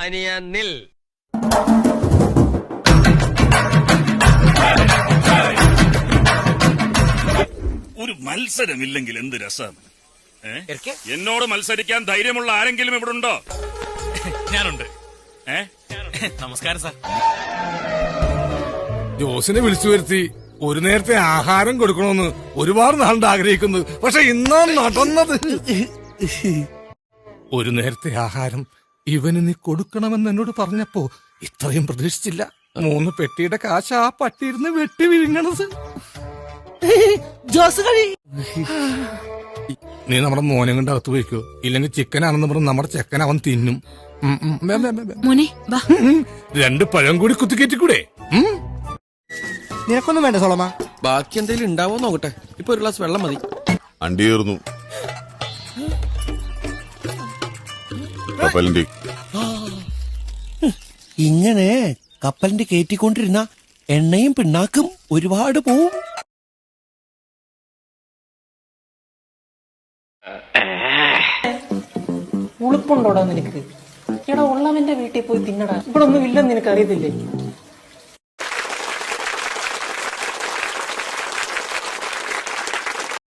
അനിയ നിൽ. ഒരു മത്സരമില്ലെങ്കിൽ എന്ത് രസം. എന്നോട് മത്സരിക്കാൻ ധൈര്യമുള്ള ആരെങ്കിലും ഇവിടെ ഉണ്ടോ? ഞാനുണ്ട്. നമസ്കാരം സാർ. ജോസിനെ വിളിച്ചു വരുത്തി ഒരു നേരത്തെ ആഹാരം കൊടുക്കണമെന്ന് ഒരുപാട് നാളുണ്ട് ആഗ്രഹിക്കുന്നത്. പക്ഷെ ഇന്നാ നടന്നത്. ഒരു നേരത്തെ ആഹാരം ഇവന് നീ കൊടുക്കണമെന്ന് എന്നോട് പറഞ്ഞപ്പോ ഇത്രയും പ്രതീക്ഷിച്ചില്ല. 3 പെട്ടിയുടെ കാശ് ആ പട്ടിയിരുന്ന് വെട്ടി വിഴുങ്ങണത്. ജോസ് കഴി നീ നമ്മുടെ മോനെ കൊണ്ട് അകത്ത് പോയിക്കോ. ഇല്ലെങ്കിൽ ചിക്കനാണെന്ന് പറഞ്ഞ് നമ്മുടെ ചെക്കൻ അവൻ തിന്നും. മോനെ വാ. 2 പഴം കൂടി കുത്തിക്കേറ്റിക്കൂടെ? നിനക്കൊന്നും വേണ്ട സോളമ. ബാക്കി എന്തെങ്കിലും ഉണ്ടാവോ നോക്കട്ടെ. ഇപ്പൊ ഒരു ഗ്ലാസ് വെള്ളം മതി. അണ്ടിയേറുന്നു കപ്പലിന്റെ. ഇങ്ങനെ കപ്പലിന്റെ കയറ്റിക്കൊണ്ടിരുന്ന എണ്ണയും പിണ്ണാക്കും ഒരുപാട് പോവും. ഉളുപ്പുണ്ടോടാ നിനക്ക്? എടാ ഉള്ളവന്റെ വീട്ടിൽ പോയി തിന്നടാ. ഇവിടെ ഒന്നും ഇല്ലെന്ന് നിനക്ക് അറിയത്തില്ലേ?